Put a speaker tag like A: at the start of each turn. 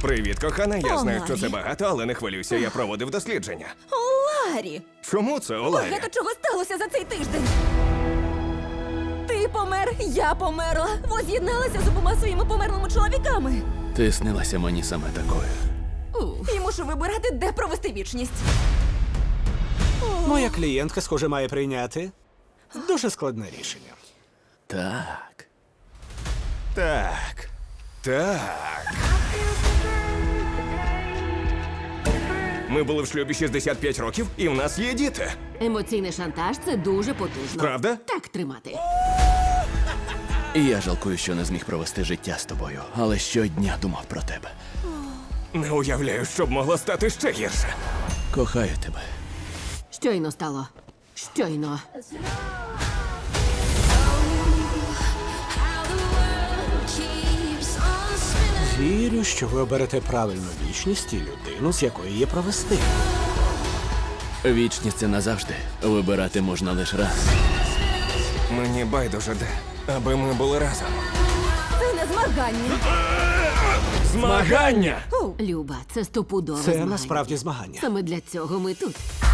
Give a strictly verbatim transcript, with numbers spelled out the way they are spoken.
A: Привіт, кохана. Я
B: О,
A: знаю, що
B: Ларі.
A: це багато, але не хвилюйся, я проводив дослідження.
B: О, Ларі!
A: Чому це, Оларі?
B: Багато чого сталося за цей тиждень. Ти помер, я померла. Воз'єдналася з обома своїми померлими чоловіками.
C: Ти снилася мені саме такою.
B: І мушу вибирати, де провести вічність.
D: Моя клієнтка, схоже, має прийняти дуже складне рішення.
C: Так.
A: Так. Так. Ми були в шлюбі шістдесят п'ять років, і в нас є діти.
E: Емоційний шантаж це дуже потужно.
A: Правда?
E: Так тримати.
C: І я жалкую, що не зміг провести життя з тобою, але щодня думав про тебе.
A: Не уявляю, що б могло стати ще гірше.
C: Кохаю тебе.
E: Щойно стало. Щойно.
D: Вірю, що ви оберете правильну вічність і людину, з якої її провести.
C: Вічність це назавжди. Вибирати можна лише раз.
A: Мені байдуже де, аби ми були разом.
B: Це не змагання.
A: Змагання!
E: Люба, це стопудове
D: Це
E: змагання.
D: насправді змагання.
E: Саме для цього ми тут.